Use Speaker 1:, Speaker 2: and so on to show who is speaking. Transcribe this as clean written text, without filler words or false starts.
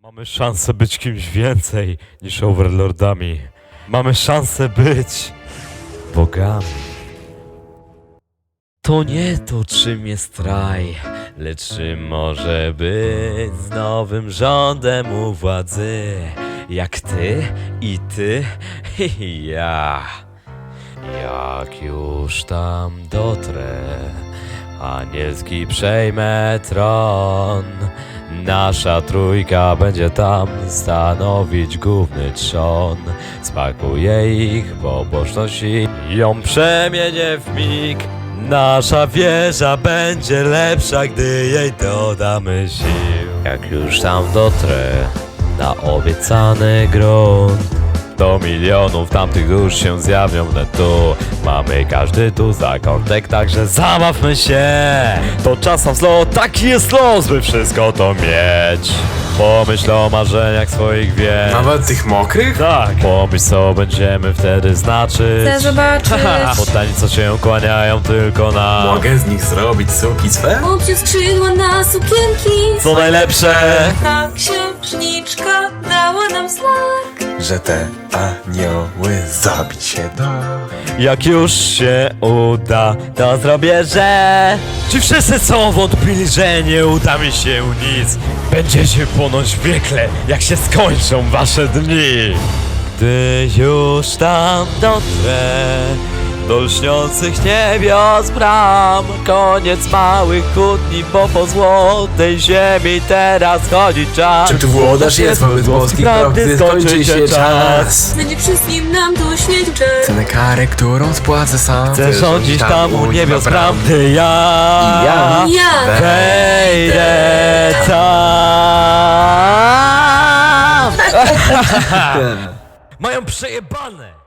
Speaker 1: Mamy szansę być kimś więcej niż overlordami. Mamy szansę być bogami. To nie to, czym jest raj, lecz czym może być z nowym rządem u władzy. Jak ty i ty i ja. Jak już tam dotrę, anielski przejmę tron. Nasza trójka będzie tam stanowić główny trzon. Spakuję ich pobożność i ją przemienię w mig. Nasza wieża będzie lepsza, gdy jej dodamy sił. Jak już tam dotrę na obiecany grunt, do milionów tamtych dusz się zjawią wnet tu. Mamy każdy tu zakątek, także zabawmy się. To czas na wzlot, taki jest los, by wszystko to mieć. Pomyśl o marzeniach swoich wiec.
Speaker 2: Nawet tych mokrych?
Speaker 1: Tak, pomyśl co będziemy wtedy znaczyć.
Speaker 3: Chcę zobaczyć.
Speaker 1: Poddani co się kłaniają tylko na...
Speaker 2: Mogę z nich zrobić suki swe?
Speaker 3: Obciął skrzydła na sukienki.
Speaker 1: Co najlepsze?
Speaker 3: Ta księżniczka dała nam znak.
Speaker 2: Że te anioły zabić się da.
Speaker 1: Jak już się uda, to zrobię, że... Ci wszyscy są wątpili, że nie uda mi się nic. Będziecie płonąć w piekle, jak się skończą wasze dni. Gdy już tam dotrę do lśniących niebios bram, koniec małych kłótni, bo po złotej ziemi teraz chodzi czas.
Speaker 2: Czym tu włodarz jest wobec boskiej prawdy, skończy się czas.
Speaker 3: Będzie wszystkim nam tu świecił czas.
Speaker 2: Cenę karę, którą spłacę sam.
Speaker 1: Chcę rządzić tam u niebios bram, gdy ja...
Speaker 3: Ja.
Speaker 1: Wejdę tam! Mają przejebane!